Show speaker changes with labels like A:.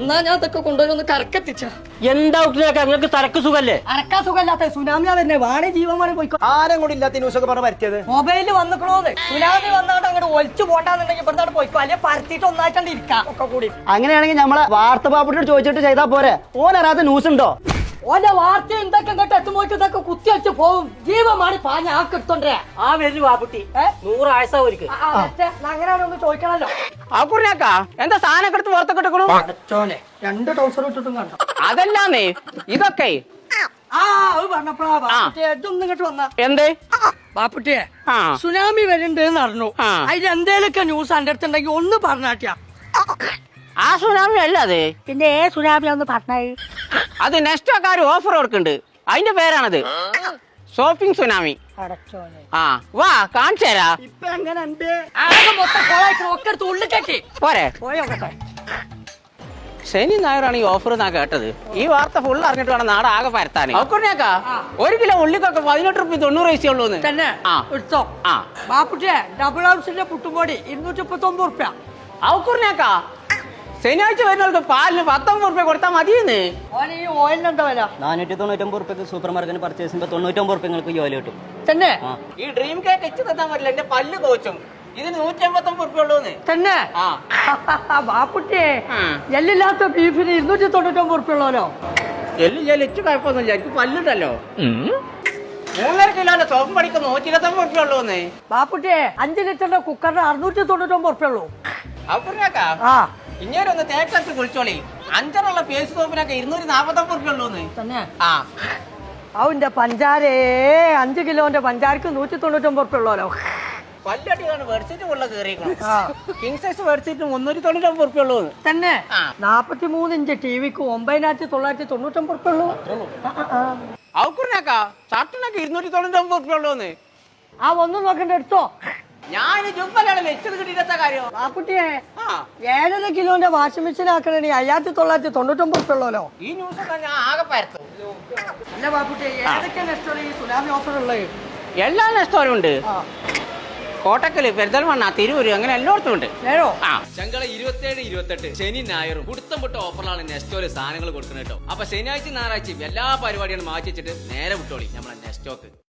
A: എന്നാ ഞാൻ അതൊക്കെ കൊണ്ടുവന്ന് കറക്കെത്തിച്ച.
B: എന്താ നിങ്ങൾക്ക് തലക്ക് സുഖല്ലേ?
A: അരക്കാൻ സുഖമില്ലാത്ത സുനാമിയാ തന്നെ വാണി ജീവന്മാരെ പോയിക്കോ.
C: ആരും കൂടി ഇല്ലാത്ത ന്യൂസ് ഒക്കെ പറഞ്ഞ് പറ്റിയത്
A: മൊബൈലിൽ വന്നിക്കണോന്ന്. സുനാമി വന്നാണ്ട് അങ്ങോട്ട് ഒളിച്ചു പോണ്ടാന്നുണ്ടെങ്കിൽ ഇവിടുന്ന് പോയിക്കോ, അല്ലെങ്കിൽ പരത്തിയിട്ട് ഒന്നായിട്ടാണ്ട് ഇരിക്കാം ഒക്കെ കൂടി.
C: അങ്ങനെയാണെങ്കിൽ നമ്മളെ വാർത്ത പാപ്പിട്ടോട് ചോദിച്ചിട്ട് ചെയ്താ പോരെ? ഓനറിയാത്ത ന്യൂസ് ഉണ്ടോ?
A: ഓന്റെ വാർത്ത എന്തൊക്കെ ഇങ്ങോട്ട് എത്തുമ്പോഴേക്കും ഇതൊക്കെ കുത്തി വെച്ച് പോവും. ജീവമാണ് പാഞ്ഞ ആക്കെടുത്തോണ്ടേ.
B: ആ വരൂ ബാബുട്ടി 100 ആയസ ഒരിക്കൽ
A: അങ്ങനെയാണൊന്ന് ചോദിക്കണല്ലോ.
B: ആക്കുറിനാക്കാ എന്താ സാധനം എടുത്ത് പുറത്തൊക്കെ ഇട്ടു?
A: അടച്ചോനെ 2 ട്രൗസർ ഇട്ടിട്ടും കണ്ടോ?
B: അതല്ലാന്നേ ഇതൊക്കെ
A: അത് പറഞ്ഞപ്പോഴാ ഇതൊന്നും ഇങ്ങോട്ട് വന്ന
B: എന്തേ
A: ബാപ്പുട്ടിയെ സുനാമി വരുന്നുണ്ട് അറിഞ്ഞു. അതിൽ എന്തേലൊക്കെ ന്യൂസ് എന്റെ അടുത്തുണ്ടെങ്കിൽ ഒന്ന് പറഞ്ഞാട്ടിയാ.
B: ആ സുനാമി അല്ല അത്.
A: പിന്നെ സുനാമി ഒന്ന് പറഞ്ഞേ.
B: അത് നെക്സ്റ്റോക്കാര് ഓഫർ കൊടുക്കുന്നുണ്ട്, അതിന്റെ പേരാണത് ഷോപ്പിംഗ് സുനാമി.
A: അടച്ചോനെ
B: ആ വാ കാണിച്ചു തരാ.
A: ഇപ്പൊ എങ്ങനെ ഉണ്ട്? ആകെ മൊത്തം കോളായിക്കണ ഒക്കെ എടുത്ത് ഉള്ളിലേക്കി
B: പോരെ.
A: പോയോട്ടെ.
B: ശനി ഞായറാണ് ഈ ഓഫർ എന്നാ കേട്ടത്. ഈ വാർത്ത ഫുൾ അറിഞ്ഞിട്ട് വേണം നാട് ആകെ പരത്താൻ. അക്കുറിനാക്കാ 1 കിലോ ഉള്ളിക്കൊക്കെ 18 റുപ്യ 90 പൈസ ഉള്ളൂന്ന്
A: തന്നെ എടുത്തോ.
B: ആ
A: ബാപ്പുട്ടിയെ ഡബിൾ ഹൗസിന്റെ പുട്ടുംപൊടി 239 റുപ്യ.
B: ഔക്കുറിനാക്കാ ശനിയാഴ്ച വരുന്നവർക്ക് പാലിന് 19 റുപ്യ കൊടുത്താൽ മതിയെന്ന്.
A: ഓന് ഈ ഓയിലിന് എന്താ വില?
C: 499 റുപ്യക്ക് സൂപ്പർ മാർക്കറ്റിന് പർച്ചേസ് ചെയ്യുമ്പോൾ 99 റുപ്യ നിങ്ങൾക്ക് ഈ ഓയിൽ കിട്ടും.
A: തന്നെ
B: ഈ ഡ്രീം കേക്ക് എച്ച് തന്നാൻ പറ്റില്ല, എന്റെ പല്ല് കോച്ചും. ഇതിന് 189 റുപ്യ ഉള്ളൂന്ന്.
A: തന്നെ ബാപ്പുട്ടിയെ എല്ലില്ലാത്ത ബീഫിന് 299 റുപ്യ ഉള്ളല്ലോ.
B: എച്ച് കുഴപ്പമൊന്നുമില്ല, എനിക്ക് പല്ലുണ്ടല്ലോ. 3.5 കിലോന്റെ സോപ്പ് പണിക്ക് 129 റുപ്യ ഉള്ളൂന്ന്.
A: ബാപ്പുട്ടിയെ 5 ലിറ്ററിന്റെ കുക്കറിന് 699 റുപ്യ ഉള്ളൂ.
B: ഔക്കുറിനാക്കാ ഇങ്ങനെ ഒന്ന് തേക്കത്ത് കുളിച്ചോളി. 5 പേസ്റ്റ് സോപ്പിനൊക്കെ 249 റുപ്യ ഉള്ളൂന്ന്.
A: തന്നെ
B: ആ
A: അവന്റെ പഞ്ചാരേ 5 കിലോന്റെ പഞ്ചാരക്ക് 199 റുപ്യ ഉള്ളല്ലോ.
B: പല്ലടിയാണ് വെഡ്ഷീറ്റ് ഉള്ള കയറിയിരിക്കണം. കിങ് സൈസ് വെഡ്ഷീറ്റ് 399 റുപ്യ ഉള്ളൂന്ന്.
A: തന്നെ 43 ഇഞ്ച് ടിവിക്ക് 9999 റുപ്യ ഉള്ളൂ.
B: ഔക്കുറിനാക്കാ ഷർട്ടിനൊക്കെ 299 റുപ്യ ഉള്ളൂന്ന്.
A: ഒന്നും നോക്കണ്ട എടുത്തോ.
B: ഞാൻ ജുമ്പലാണ് വെച്ചത് കിട്ടിയിട്ട കാര്യം.
A: ബാപ്പുട്ടിയെ 7.5 കിലോന്റെ വാഷിംഗ് മെഷീൻ ആക്കണേ 5999 റുപ്യ ഉള്ളല്ലോ.
B: ഈ ന്യൂസ് ഒക്കെ ഞാൻ ആകെ പരത്തും.
A: അല്ല ബാപ്പുട്ടിയെ ഏതൊക്കെ നെസ്റ്റോറി ഈ സുനാമി ഓഫർ ഉള്ളത്?
B: എല്ലാ നെസ്റ്റോറും ഉണ്ട്. കോട്ടക്കല്, പെരിന്തൽമണ്ണ, തിരൂര്, അങ്ങനെ എല്ലായിടത്തും ഉണ്ട്.
D: ചങ്കള 27, 28 ശനി ഞായറും കുടുത്തം പൊട്ട ഓഫറിലാണ് നെസ്റ്റോല് സാധനങ്ങൾ കൊടുക്കുന്നത് കേട്ടോ. അപ്പൊ ശനിയാഴ്ച ഞായറാഴ്ചയും എല്ലാ പരിപാടികളും മാറ്റി വെച്ചിട്ട് നേരെ വിട്ടോളി നമ്മളെ നെസ്റ്റോക്ക്.